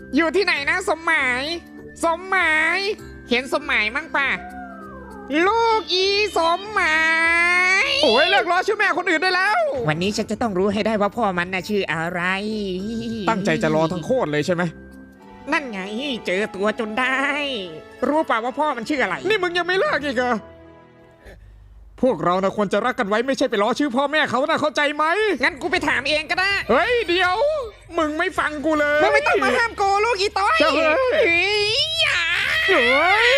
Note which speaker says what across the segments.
Speaker 1: อยู่ที่ไหนนะสมหมาย สมหมาย เห็นสมหมายมั้งป่ะ ลูกอีสมหมาย
Speaker 2: โอ้ยเลิกล้อชื่อแม่คนอื่นได้แล้ว
Speaker 1: วันนี้ฉันจะต้องรู้ให้ได้ว่าพ่อมันน่ะชื่ออะไร
Speaker 2: ตั้งใจจะรอทั้งโคตรเลยใช่ไหม
Speaker 1: นั่นไงเจอตัวจนได้ รู้ป่าว่าพ่อมันชื่ออะไร
Speaker 2: นี่มึงยังไม่เลิกอีกเหรอพวกเรานะควรจะรักกันไว้ไม่ใช่ไปล้อชื่อพ่อแม่เขานะเข้าใจไหม
Speaker 1: งั้นกูไปถามเองก็ได้
Speaker 2: เฮ้ยเดี๋ยว มึงไม่ฟังกูเลย
Speaker 1: มึงไม่ต้องมาห้ามกูลูกอีต้อย
Speaker 2: เจ้าเฮ้ย
Speaker 1: เฮ้ยอย่า
Speaker 2: เฮ้ย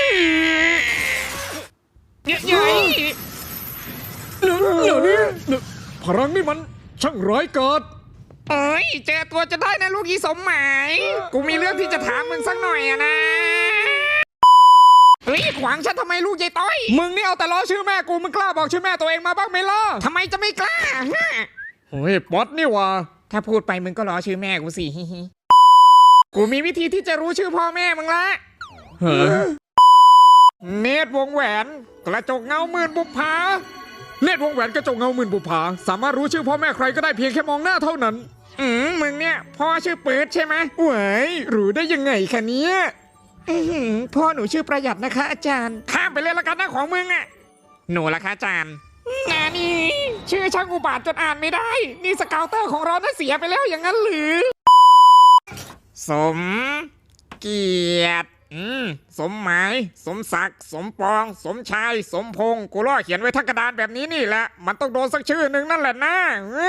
Speaker 1: เย้ย
Speaker 2: เดี๋ยวนี้พลังนี่มันช่างร้ายกาจ
Speaker 1: เอ้ยเจอตัวจะได้นะลูกอีสมหมาย กูมีเรื่องที่จะถามมึงสักหน่อยอะนะเฮ้ยขวางฉันทำไมลูกยายต้อย
Speaker 2: มึงนี่เอาแต่ล้อชื่อแม่กูมึงกล้าบอกชื่อแม่ตัวเองมาบ้างไหมล่ะ
Speaker 1: ทำไมจะไม่กล้าฮะ
Speaker 2: เฮ้ยป๊อตนี่วะ
Speaker 1: ถ้าพูดไปมึงก็ล้อชื่อแม่กูสิ กูมีวิธีที่จะรู้ชื่อพ่อแม่มึงละ
Speaker 2: เฮ้ยเนตรวงแหวน กระจกเงาหมื่นบุปผาเนตรวงแหวนกระจกเงาหมื่นบุปผาสามารถรู้ชื่อพ่อแม่ใครก็ได้เพียงแค่มองหน้าเท่านั้น
Speaker 1: มึงเนี่ยพ่อชื่อปื๊ดใช่ไหม
Speaker 2: เว้ยรู้ได้ยังไงคะเนี่ย
Speaker 1: พ่อหนูชื่อประหยัดนะคะ อาจารย์ ข้ามไปเลยละกันนะของมึงอะหนูละคะอาจารย์งานนี้ชื่อช่างอุบาทจนอ่านไม่ได้ นี่สเกาวเตอร์ของเราน่าเสียไปแล้วอย่างนั้นหรือ สมเกียรติสมหมาย สมศักดิ์สมปอง สมชาย สมพงศ์กูล่อเขียนไว้ทั้งกระดานแบบนี้นี่แหละ มันต้องโดนสักชื่อหนึ่งนั่นแหละนะ